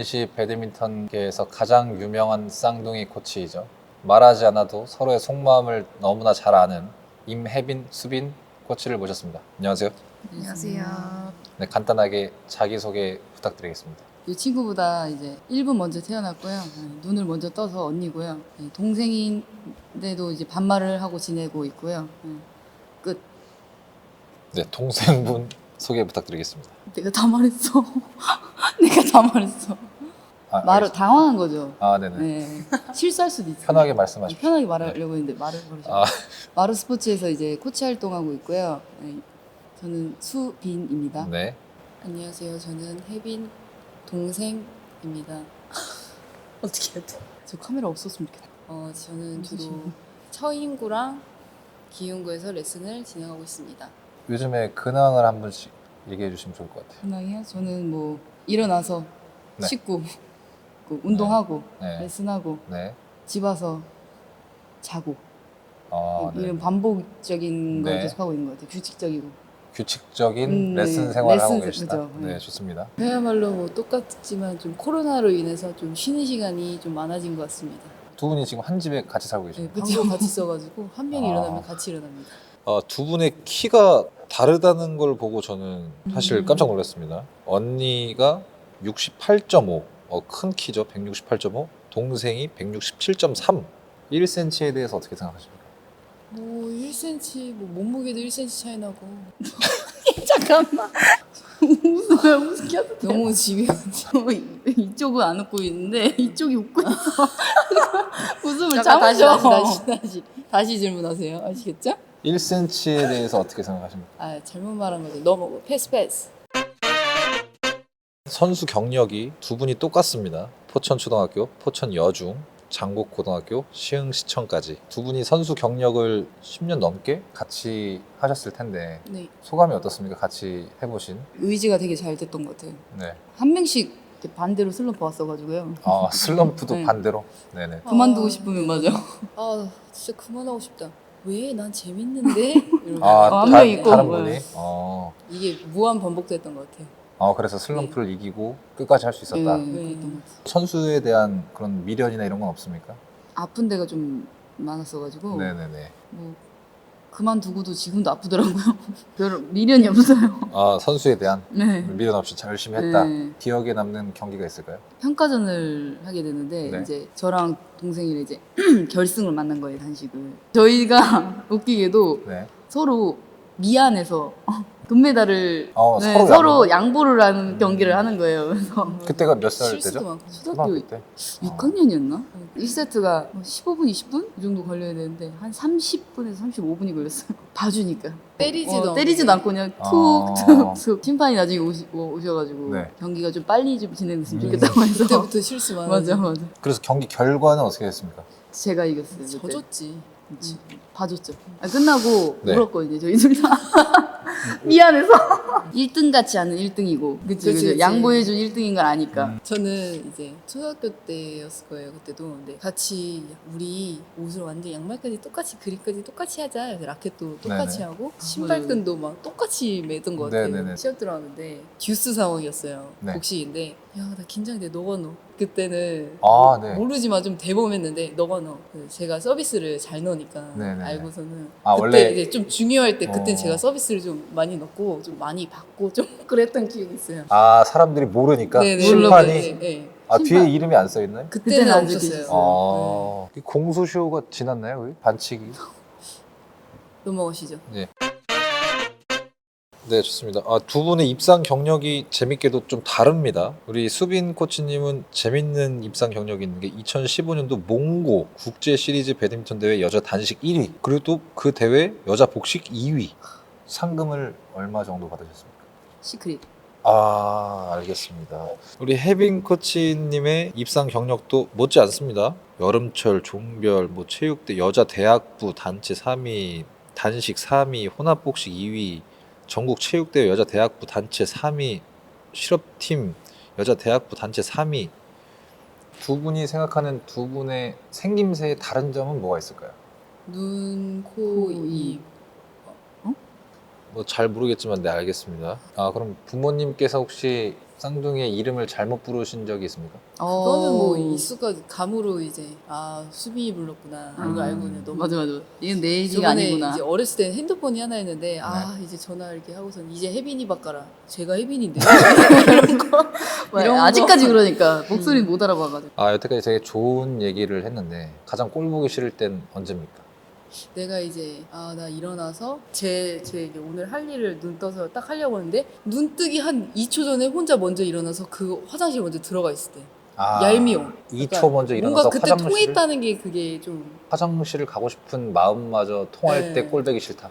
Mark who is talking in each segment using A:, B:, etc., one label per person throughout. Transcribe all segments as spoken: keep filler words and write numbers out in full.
A: 대전시 배드민턴계에서 가장 유명한 쌍둥이 코치이죠. 말하지 않아도 서로의 속마음을 너무나 잘 아는 임혜빈, 수빈 코치를 모셨습니다. 안녕하세요.
B: 안녕하세요.
A: 네, 간단하게 자기소개 부탁드리겠습니다.
B: 이 친구보다 이제 일 분 먼저 태어났고요. 네, 눈을 먼저 떠서 언니고요. 네, 동생인데도 이제 반말을 하고 지내고 있고요. 네, 끝.
A: 네, 동생분 소개 부탁드리겠습니다.
B: 내가 다 말했어. 내가 다 말했어.
A: 아,
B: 말을
A: 알겠습니다.
B: 당황한 거죠.
A: 아, 네네.
B: 네. 실수할 수도 있어요.
A: 편하게 말씀하십시오.
B: 편하게 말하려고 했는데 말을 버리죠.
A: 아,
B: 마루 스포츠에서 이제 코치 활동하고 있고요. 네, 저는 수빈입니다.
A: 네.
C: 안녕하세요. 저는 혜빈 동생입니다. 어떻게 해야 돼?
B: 저 카메라 없었으면 좋겠다.
C: 어, 저는 주로
B: 무슨
C: 처인구랑 기흥구에서 레슨을 진행하고 있습니다.
A: 요즘에 근황을 한 번씩 얘기해 주시면 좋을 것 같아요.
B: 근황이요? 저는 뭐 일어나서
A: 네.
B: 씻고 그 운동하고
A: 네.
B: 레슨하고
A: 네.
B: 집 와서 자고
A: 아, 네.
B: 이런 반복적인 걸
A: 네.
B: 계속 하고 있는 것 같아요. 규칙적이고.
A: 규칙적인
B: 음,
A: 레슨
B: 네.
A: 생활을
B: 레슨
A: 하고
B: 세-
A: 계시다.
B: 그죠.
A: 네,
B: 네.
A: 좋습니다.
C: 그야말로 뭐 똑같지만 좀 코로나로 인해서 좀 쉬는 시간이 좀 많아진 것 같습니다.
A: 두 분이 지금 한 집에 같이 살고
C: 네,
A: 계십니다.
C: 방도 같이 써가지고 한 명이
A: 아.
C: 일어나면 같이 일어납니다.
A: 어, 두 분의 키가 다르다는 걸 보고 저는 사실
B: 음.
A: 깜짝 놀랐습니다. 언니가 육십팔 점 오, 어, 큰 키죠. 백육십팔 점 오. 동생이 백육십칠 점 삼. 일 센티미터에 대해서 어떻게 생각하십니까?
C: 뭐 일 센티미터, 뭐 몸무게도 일 센티미터 차이 나고
B: 잠깐만. 웃으면 웃겨.
C: 너무 집요하지.
B: 이쪽은 안 웃고 있는데 이쪽이 웃고 있어. 웃음을
C: 잠깐
B: 참으셔.
C: 다시 다시 다시 다시 다시 질문하세요. 아시겠죠?
A: 일 센티미터에 대해서 어떻게 생각하십니까?
C: 아 잘못 말한 거죠. 너무 패스 패스.
A: 선수 경력이 두 분이 똑같습니다. 포천초등학교, 포천여중, 장곡고등학교, 시흥시청까지 두 분이 선수 경력을 십 년 넘게 같이 하셨을 텐데
C: 네.
A: 소감이 어떻습니까? 같이 해보신.
B: 의지가 되게 잘 됐던 것 같아요.
A: 네.
B: 한 명씩 이렇게 반대로 슬럼프 왔어가지고요.
A: 아, 슬럼프도
B: 네.
A: 반대로. 네네.
B: 그만두고
C: 아.
B: 싶으면 맞아.
C: 아 진짜 그만하고 싶다. 왜? 난 재밌는데? 이러면서.
A: 아,
B: 한
A: 다,
B: 명 있고.
A: 다른
B: 네.
A: 분이. 어.
C: 이게 무한 반복됐던 것 같아요.
A: 어, 그래서 슬럼프를 이기고 끝까지 할 수 있었다.
B: 네,
C: 네.
B: 그랬던 것 같아요.
A: 선수에 대한 그런 미련이나 이런 건 없습니까?
B: 아픈 데가 좀 많았어가지고
A: 네네네.
B: 뭐 그만두고도 지금도 아프더라고요. 별 미련이 없어요.
A: 아, 선수에 대한
B: 네.
A: 미련 없이 잘 열심히 했다.
B: 네.
A: 기억에 남는 경기가 있을까요?
B: 평가전을 하게 됐는데
A: 네.
B: 이제 저랑 동생이랑 이제 결승을 만난 거예요, 단식을. 저희가 웃기게도
A: 네.
B: 서로 미안해서 금메달을
A: 어,
B: 네,
A: 서로
B: 서로,
A: 양보?
B: 양보를 하는
A: 음.
B: 경기를 하는 거예요. 그래서
A: 그때가 몇 살
C: 실수도
A: 때죠?
C: 많고.
B: 초등학교
A: 초등학교 때.
B: 육 학년이었나? 일 세트가 십오 분, 이십 분? 이 정도 걸려야 되는데 한 삼십 분에서 삼십오 분이 걸렸어요. 봐주니까.
C: 때리지도
B: 어,
C: 않고.
B: 때리지도 않고 그냥
A: 아.
B: 툭툭툭 심판이 나중에 오시, 오셔가지고
A: 네.
B: 경기가 좀 빨리 좀 진행됐으면
A: 음.
B: 좋겠다고 해서
C: 그때부터 실수 많아.
B: 맞아 맞아.
A: 그래서 경기 결과는 어떻게 됐습니까?
B: 제가 이겼어요. 그때.
C: 져줬지.
B: 그치. 봐줬죠. 아, 끝나고
A: 네.
B: 울었거든요. 저희 둘 다. 미안해서. 일 등 같지 않은 일 등이고. 그치,
C: 그치,
B: 그치.
C: 그치.
B: 양보해준 일 등인 걸 아니까.
A: 음.
C: 저는 이제 초등학교 때였을 거예요. 그때도 근데 같이 우리 옷을 완전 양말까지 똑같이 그립까지 똑같이 하자. 그래서 라켓도 똑같이
A: 네네.
C: 하고 신발끈도 막 똑같이 매던 것 같아요.
A: 네네네.
C: 시합 들어갔는데 듀스 상황이었어요.
A: 네.
C: 복식인데 야 나 긴장돼. 너가 넣어. 그때는
A: 아, 네.
C: 모르지만 좀 대범했는데 너가 넣어. 그래서 제가 서비스를 잘 넣으니까
A: 네네네.
C: 알고서는
A: 아,
C: 그때
A: 원래-
C: 이제 좀 중요할 때 그때
A: 어.
C: 제가 서비스를 좀 많이 넣고 좀 많이 받고 좀 그랬던 기억이 있어요.
A: 아, 사람들이 모르니까
C: 네네.
A: 심판이
C: 네, 네.
A: 아,
C: 심판.
A: 뒤에 이름이 안 써 있나요?
C: 그때는
B: 그때는 안
C: 없었어요.
B: 적혀있어요.
A: 아, 이 공소시효가 지났나요? 거기? 반칙이?
C: 넘어가시죠.
A: 네, 좋습니다. 아, 두 분의 입상 경력이 재밌게도 좀 다릅니다. 우리 수빈 코치님은 재밌는 입상 경력이 있는 게 이천십오 년도 몽고 국제 시리즈 배드민턴 대회 여자 단식 일 위, 그리고 또 그 대회 여자 복식 이 위. 상금을 얼마 정도 받으셨습니까?
B: 시크릿.
A: 아, 알겠습니다. 우리 혜빈 코치님의 입상 경력도 못지 않습니다. 여름철, 종별, 뭐 체육대, 여자 대학부 단체 삼 위, 단식 삼 위, 혼합복식 이 위, 전국 체육대회 여자 대학부 단체 삼 위, 실업팀 여자 대학부 단체 삼 위. 두 분이 생각하는 두 분의 생김새의 다른 점은 뭐가 있을까요?
C: 눈, 코,
B: 코,
C: 입.
A: 뭐 잘 모르겠지만 네, 알겠습니다. 아, 그럼 부모님께서 혹시 쌍둥이의 이름을 잘못 부르신 적이 있습니까?
C: 그거는
B: 어.
C: 뭐 익숙한 감으로 이제 아 수빈이 불렀구나 이거
B: 음.
C: 알고 그냥 너무
B: 맞아 맞아. 이건 내 얘기가
C: 저번에
B: 아니구나.
C: 이제 어렸을 때 핸드폰이 하나 있는데 아 이제 전화 이렇게 하고선 이제 혜빈이 바꿔라 제가 혜빈인데 이런 거
B: 왜,
C: 이런 거.
B: 아직까지 그러니까 목소리 못 알아봐가지고.
A: 아 여태까지 되게 좋은 얘기를 했는데 가장 꼴 보기 싫을 땐 언제입니까?
C: 내가 이제 아 나 일어나서 제, 제 이제 오늘 할 일을 눈 떠서 딱 하려고 하는데 눈 뜨기 한 이 초 전에 혼자 먼저 일어나서 그 화장실 먼저 들어가 있을 때
A: 아,
C: 얄미워.
A: 이 초
C: 그러니까
A: 먼저 일어나서
C: 뭔가 그때
A: 화장실을
C: 통했다는 게 그게 좀
A: 화장실을 가고 싶은 마음마저 통할
C: 네.
A: 때 꼴배기 싫다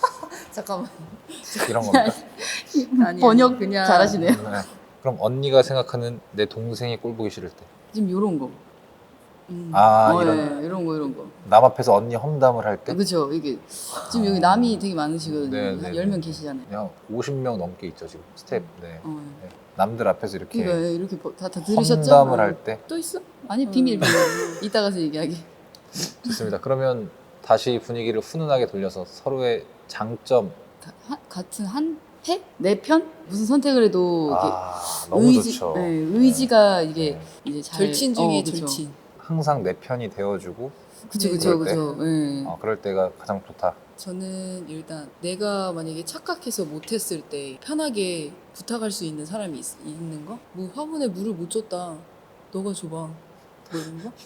C: 잠깐만
A: 이런 겁니까?
C: 아니,
B: 번역
C: 그냥
B: 잘하시네요.
A: 네. 그럼 언니가 생각하는 내 동생이 꼴 보기 싫을 때
B: 지금 요런 거.
C: 음.
A: 아,
B: 어,
A: 이런
B: 예, 이런 거 이런 거.
A: 남 앞에서 언니 험담을 할 때
B: 그렇죠. 이게 지금 여기 남이 되게 많으시거든요.
A: 네, 네,
B: 한
A: 네.
B: 열 명 계시잖아요.
A: 그냥 오십 명 넘게 있죠 지금 스텝 네.
B: 어, 예.
A: 네. 남들 앞에서 이렇게
B: 그러니까 이렇게 버- 다, 다 들으셨죠?
A: 험담을
B: 어.
A: 할 때
C: 또 있어?
B: 아니
C: 음.
B: 비밀 비밀. 이따 가서 얘기하기.
A: 좋습니다. 그러면 다시 분위기를 훈훈하게 돌려서 서로의 장점
B: 다- 하- 같은 한 해? 내 편? 무슨 선택을 해도 이렇게
A: 아 너무
B: 의지,
A: 좋죠.
B: 네, 의지가 이게
A: 네.
B: 이제 잘
C: 절친 중에
B: 어, 그쵸.
C: 절친
A: 항상 내 편이 되어주고
B: 그쵸
C: 네,
B: 그쵸
A: 그럴 때?
B: 그쵸. 예.
A: 어, 그럴 때가 가장 좋다.
C: 저는 일단 내가 만약에 착각해서 못했을 때 편하게 부탁할 수 있는 사람이 있, 있는 거? 뭐 화분에 물을 못 줬다 너가 줘봐 뭐 이런 거?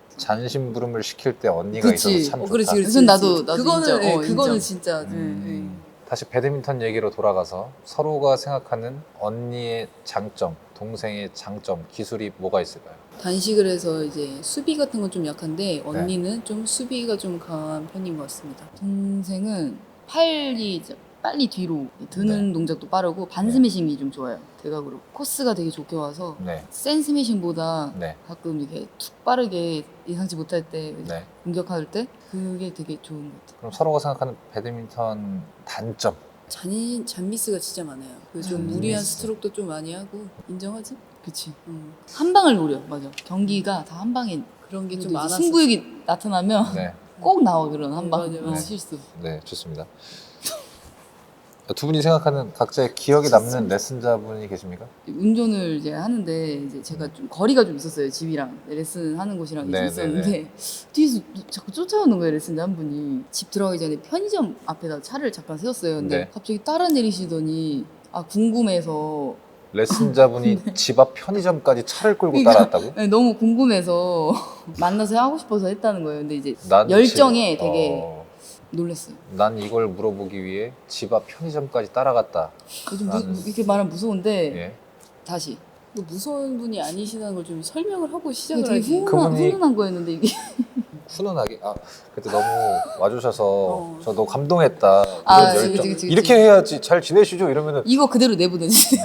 A: 잔심부름을 시킬 때 언니가
B: 그치.
A: 있어서 참
C: 어
A: 좋다.
C: 그렇지 그렇지
B: 그건 나도-
C: 그렇지.
B: 나도
C: 그거는
B: 인정.
C: 네,
B: 어,
C: 그거는
B: 인정.
C: 진짜
A: 음, 다시 배드민턴 얘기로 돌아가서 서로가 생각하는 언니의 장점, 동생의 장점, 기술이 뭐가 있을까요?
C: 단식을 해서 이제 수비 같은 건 좀
B: 네.
C: 약한데 언니는 좀 수비가 좀 강한 편인 것 같습니다.
B: 동생은 팔이 이제 빨리 뒤로 드는
A: 네.
B: 동작도 빠르고 반스매싱이 좀 좋아요. 대각으로 코스가 되게 좋게 와서
A: 네,
B: 센 스매싱보다
A: 네,
B: 가끔 이렇게 툭 빠르게 예상치 못할 때
A: 네.
B: 공격할 때 그게 되게 좋은 것 같아요.
A: 그럼 서로가 생각하는 배드민턴 단점.
C: 잔 잔미스가 진짜 많아요. 그좀
B: 잔미스.
C: 무리한 스트로크도 좀 많이 하고 인정하지?
B: 그치.
C: 음,
B: 한 방을 노려. 맞아. 경기가 다 한 방에
C: 그런 게
B: 좀
C: 좀 많았어.
B: 승부욕이 나타나면
A: 네,
B: 꼭 나와 그런 한
C: 음,
B: 방.
C: 맞아,
B: 어,
C: 맞아.
B: 실수.
A: 네, 좋습니다. 두 분이 생각하는 각자의 기억에 남는 레슨자분이 계십니까?
B: 운전을 이제 하는데 이제 제가 좀 거리가 좀 있었어요. 집이랑 레슨 하는 곳이랑
A: 네,
B: 있었는데 뒤에서 자꾸 쫓아오는 거예요. 레슨자 한 분이 집 들어가기 전에 편의점 앞에다 차를 잠깐 세웠어요. 근데
A: 네.
B: 갑자기 따라 내리시더니 아 궁금해서
A: 레슨자분이 집 앞 편의점까지 차를 끌고
B: 그러니까
A: 따라왔다고?
B: 네, 너무 궁금해서 만나서 하고 싶어서 했다는 거예요. 근데 이제
A: 난
B: 열정에
A: 집-
B: 되게
A: 어,
B: 놀랐어요.
A: 난 이걸 물어보기 위해 집 앞 편의점까지 따라갔다.
B: 좀 무,
A: 나는-
B: 이렇게 말하면 무서운데
A: 예.
B: 다시
C: 뭐 무서운 분이 아니시다는 걸 좀 설명을 하고
B: 되게
C: 시작을 하지.
B: 훈훈한,
A: 그분이-
B: 훈훈한 거였는데 이게
A: 훈훈하게. 아 그때 너무 와주셔서
C: 어.
A: 저 너무 감동했다. 이런
B: 아,
A: 열정.
B: 그치, 그치, 그치.
A: 이렇게 해야지 잘 지내시죠 이러면은
B: 이거 그대로 내보내주세요.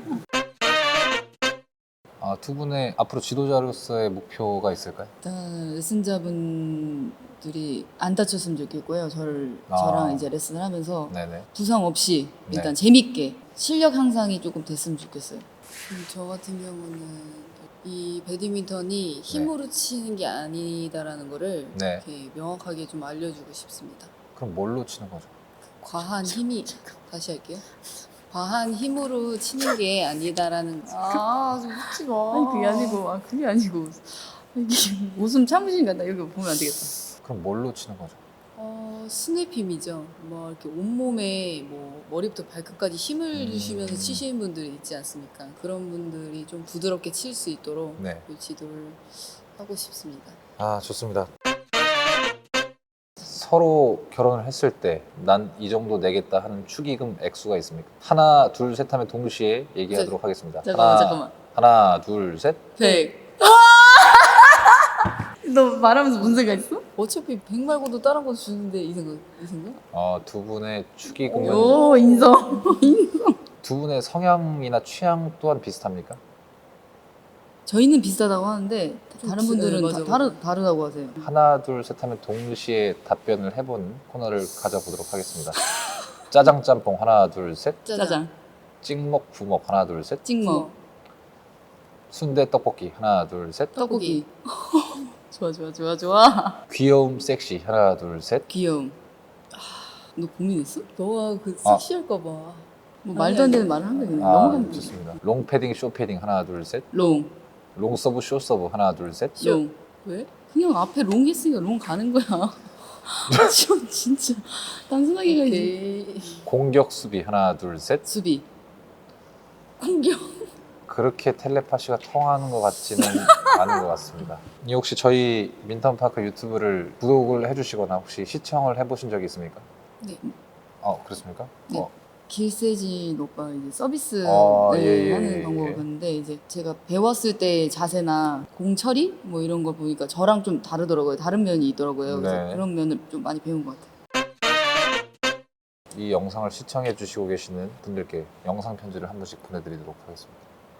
A: 아, 두 분의 앞으로 지도자로서의 목표가 있을까요?
B: 일단 레슨자분들이 안 다쳤으면 좋겠고요. 저를
A: 아.
B: 저랑 이제 레슨을 하면서
A: 네네.
B: 부상 없이
A: 네.
B: 일단 재밌게 실력 향상이 조금 됐으면 좋겠어요.
C: 음, 저 같은 경우는 이 배드민턴이 힘으로 치는 게 아니다라는 거를
A: 네.
C: 이렇게 명확하게 좀 알려주고 싶습니다.
A: 그럼 뭘로 치는 거죠?
C: 과한 힘이 다시 할게요. 과한 힘으로 치는 게 아니다라는
B: 아, 좀 웃지 마. 아니 그게 아니고, 아 그게 아니고 이게 웃음 참으시니까 나 여기 보면 안 되겠다.
A: 그럼 뭘로 치는 거죠?
C: 어, 스냅 힘이죠. 뭐 이렇게 온몸에 뭐 머리부터 발끝까지 힘을
A: 음.
C: 주시면서 치시는 분들이 있지 않습니까? 그런 분들이 좀 부드럽게 칠 수 있도록
A: 네.
C: 그 지도를 하고 싶습니다.
A: 아 좋습니다. 서로 결혼을 했을 때 난 이 정도 내겠다 하는 축의금 액수가 있습니까? 하나 둘 셋 하면 동시에 얘기하도록 하겠습니다.
B: 잠깐만
A: 하나,
B: 잠깐만.
A: 하나 둘 셋.
B: 백. 너 말하면서 무슨 생각 있어?
C: 어차피 백 말고도 다른 거 주는데 이 생각, 이 생각?
A: 어, 두 분의 축의금은
B: 오 인성.
A: 두 분의 성향이나 취향 또한 비슷합니까?
B: 저희는 비슷하다고 하는데
C: 좀
B: 다른
C: 드-
B: 분들은
C: 네, 맞아,
B: 다,
C: 맞아.
B: 다르, 다르다고 하세요.
A: 하나 둘 셋 하면 동시에 답변을 해보는 코너를 가져보도록 하겠습니다. 짜장 짬뽕 하나 둘 셋.
B: 짜장,
A: 찍먹 부먹 하나 둘 셋.
B: 찍먹,
A: 순대 떡볶이 하나 둘 셋.
B: 떡볶이. 좋아 좋아 좋아 좋아.
A: 귀여움 섹시 하나 둘 셋.
B: 귀여움. 아, 너 고민했어?
C: 너가 그
A: 아.
C: 섹시할까 봐.
B: 뭐 말도 안
C: 아니,
B: 되는 말을 한 거예요. 그냥
A: 아,
B: 넘어가면 돼.
A: 좋습니다. 롱 패딩, 쇼 패딩 하나, 둘, 셋.
B: 롱,
A: 롱 서브, 쇼 서브 하나, 둘, 셋.
B: 롱.
C: 왜?
B: 그냥 앞에 롱 했으니까 롱 가는 거야. 지금 진짜 단순하게 가야지.
C: 오케이.
A: 공격, 수비 하나, 둘, 셋.
B: 수비. 공격.
A: 그렇게 텔레파시가 통하는 것 같지는 않은 것 같습니다. 이 혹시 저희 민턴파크 유튜브를 구독을 해주시거나 혹시 시청을 해보신 적이 있습니까?
C: 네.
A: 어, 그렇습니까?
B: 네.
A: 어,
B: 길세진 오빠 이제 서비스
A: 아,
B: 네,
A: 예, 예,
B: 하는
A: 예,
B: 방법을
A: 예.
B: 봤는데 이제 제가 배웠을 때 자세나 공 처리 뭐 이런 거 보니까 저랑 좀 다르더라고요. 다른 면이 있더라고요. 그래서
A: 네.
B: 그런 면을 좀 많이 배운 것 같아요.
A: 이 영상을 시청해 주시고 계시는 분들께 영상 편지를 한 번씩 보내드리도록 하겠습니다.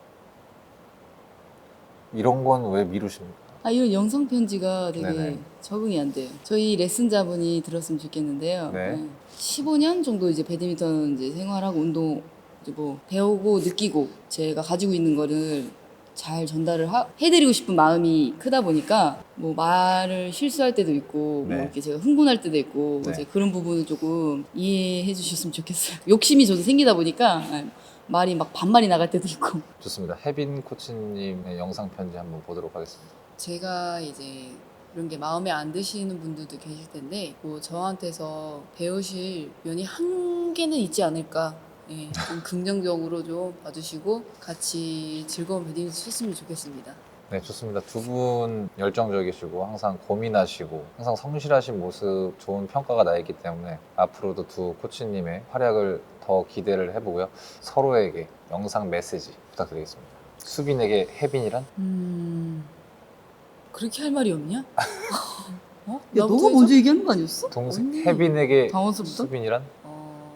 A: 이런 건 왜 미루십니까?
B: 아 이런 영상 편지가 되게
A: 네네.
B: 적응이 안 돼요. 저희 레슨자분이 들었으면 좋겠는데요.
A: 네.
B: 십오 년 정도 이제 배드민턴 이제 생활하고 운동 이제 뭐 배우고 느끼고 제가 가지고 있는 거를 잘 전달을 하- 해드리고 싶은 마음이 크다 보니까 뭐 말을 실수할 때도 있고
A: 네.
B: 뭐 이렇게 제가 흥분할 때도 있고
A: 네.
B: 이제 그런 부분을 조금 이해해 주셨으면 좋겠어요. 욕심이 저도 생기다 보니까 아, 말이 막 반말이 나갈 때도 있고.
A: 좋습니다. 혜빈 코치님의 영상 편지 한번 보도록 하겠습니다.
C: 제가 이제 이런 게 마음에 안 드시는 분들도 계실 텐데 뭐 저한테서 배우실 면이 한 개는 있지 않을까. 예, 좀 긍정적으로 좀 봐주시고 같이 즐거운 배드민턴 쳤으면 좋겠습니다.
A: 네, 좋습니다. 두 분 열정적이시고 항상 고민하시고 항상 성실하신 모습 좋은 평가가 나 있기 때문에 앞으로도 두 코치님의 활약을 더 기대를 해보고요. 서로에게 영상 메시지 부탁드리겠습니다. 수빈에게 혜빈이란?
C: 음 그렇게 할 말이 없냐? 어?
B: 야
C: 나부터
B: 너가
C: 해줘?
B: 먼저 얘기하는 거 아니었어?
A: 동생
C: 언니.
A: 혜빈에게
B: 당황스럽다.
A: 수빈이란?
C: 어...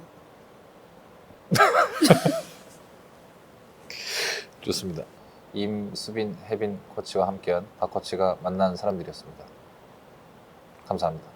A: 좋습니다. 임수빈, 혜빈 코치와 함께한 박 코치가 만난 사람들이었습니다. 감사합니다.